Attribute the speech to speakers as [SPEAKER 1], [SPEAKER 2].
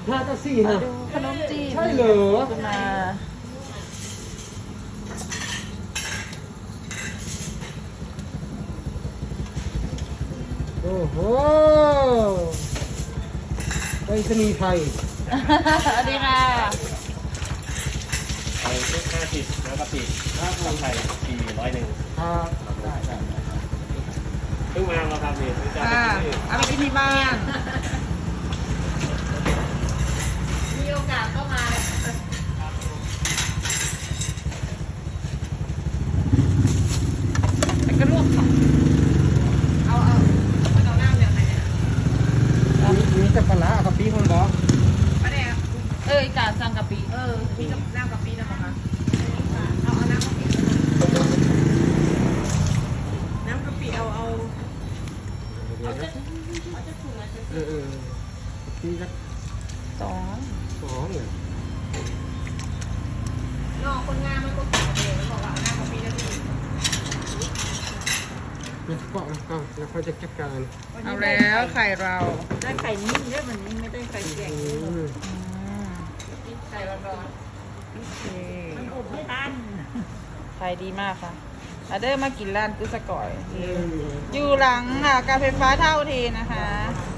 [SPEAKER 1] 5กับ4นะ
[SPEAKER 2] ดูขนมจีน
[SPEAKER 1] ใช่เหรอ
[SPEAKER 2] ขึ้นมา
[SPEAKER 1] โอ้โหไปสนีย์ไทย
[SPEAKER 2] สวัสดีค่ะ
[SPEAKER 3] เอาชุด50น้ำกะปิน้ำไทย401
[SPEAKER 1] ครับได้ได้
[SPEAKER 3] เพิ่งมาแล้วครับนี่จะ
[SPEAKER 2] อ่า
[SPEAKER 3] ไปกินที่อื่น
[SPEAKER 2] เอาไปกินที่บ้าน มีโอกาสก็มาแล้วก็ลวกค่ะเอาน้ำแบบไหนเนี่ย
[SPEAKER 1] มีแต่ปลาร้ากับปีคนบอก
[SPEAKER 2] ปลาแดกอีกาสั่งกะปิมีกับน้ำกะปินะคะเอาน้ำกะปิน้ำกะปิเอา
[SPEAKER 1] ปีละ
[SPEAKER 2] สอง
[SPEAKER 1] 2เนี่ย
[SPEAKER 2] นอกคนงานมันก็ขายเลยบอกว่าน้ำกะปิแล้วพี่
[SPEAKER 1] เนี่ยก็แล้วเขาจะจัดการ
[SPEAKER 2] เอาแล้วไข่เรา
[SPEAKER 4] ได้ไข่นิ่มด้วยมันนี้ไม่ได้ไข่แข็ง
[SPEAKER 2] ไข่ร้อนๆโอเค
[SPEAKER 4] มันอบไม่ทัน
[SPEAKER 2] ไข่ดีมากค่ะอาเดอร์มากินร้านกุ้สก่อย อยู่หลังการไฟฟ้าเท่าเทนะคะ